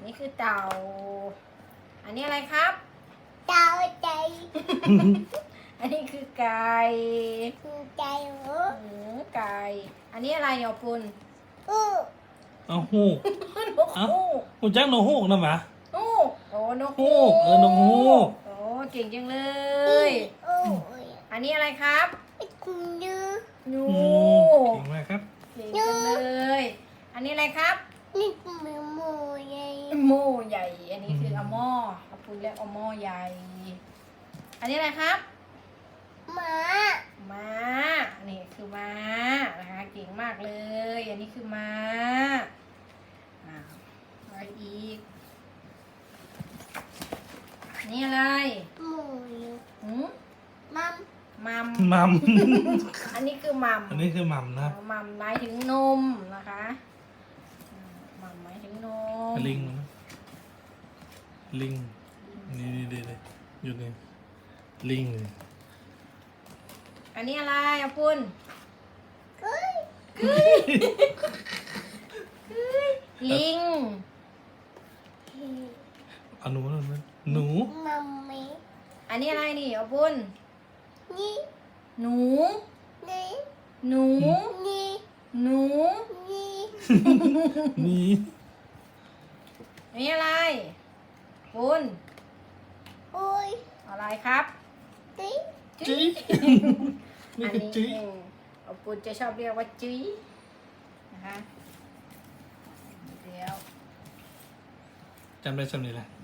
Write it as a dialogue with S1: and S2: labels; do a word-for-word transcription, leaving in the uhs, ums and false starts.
S1: นี้คือเต่าอันนี้อะไรครับ
S2: เต่าใจ
S1: อันนี้คือไก่
S2: ใจหู
S1: หือไก่อันนี้อะไรเนี่ยปุณ
S2: อู้
S3: เอาฮูก
S1: นกฮูก
S3: ฮูกจักนกฮูกนะหมา
S1: ฮูกโอ้นก
S3: ฮูกเออนกฮูก
S1: โอ้เก่งจังเลย
S2: อู้
S1: อันนี้อะไรครับ
S2: คุณดู
S1: งู
S3: อืมเก่งมากครับ
S1: เก่งจังเลย อันนี้อะไรครับ
S2: นี่มือหมูใหญ่
S1: หม้อใหญ่ อันนี้คือเอาหม้อเอาปุณเรียกเอาหม้อใหญ่ อันนี้อะไรครับ
S2: หมา
S1: ม้าอันนี้คือม้านะคะเก่งมากเลย อันนี้คือม้าอ่าอะไรอีกอันนี่อะไร
S2: หมูอยู่
S1: หืม
S2: มัม
S1: มัม
S3: มัม
S1: อันนี้คือมัม
S3: อันนี้คือมัมนะครับ
S1: มัมหมายถึงนมนะคะอ่ามัมหมายถึงนม
S3: ลิงนะลิงนี่นี่นี่นี่อยู่นี่ลิงเลย
S1: อันนี้อะไรอ่ะปุณ
S2: เฮ้ย
S1: ลิง
S3: เอาหนูนั่นนะหนู
S2: มัมมี่
S1: อันนี้อะไรนี่อ่ะปุณ
S2: นี่
S1: หนู
S2: นี่
S1: หนู
S2: นี่
S1: หนู
S2: นี่
S3: มี
S1: อันนี้อะไรปุณ
S2: โอ้ย
S1: อะไรครับ
S2: ติ๊
S3: จีนี่
S1: อัน
S3: คือ
S1: นี้
S3: จี
S1: เองเอาปุณจะชอบเรียกว่าจีนะคะเดี๋ยว
S3: จำได้จำนี้แหละ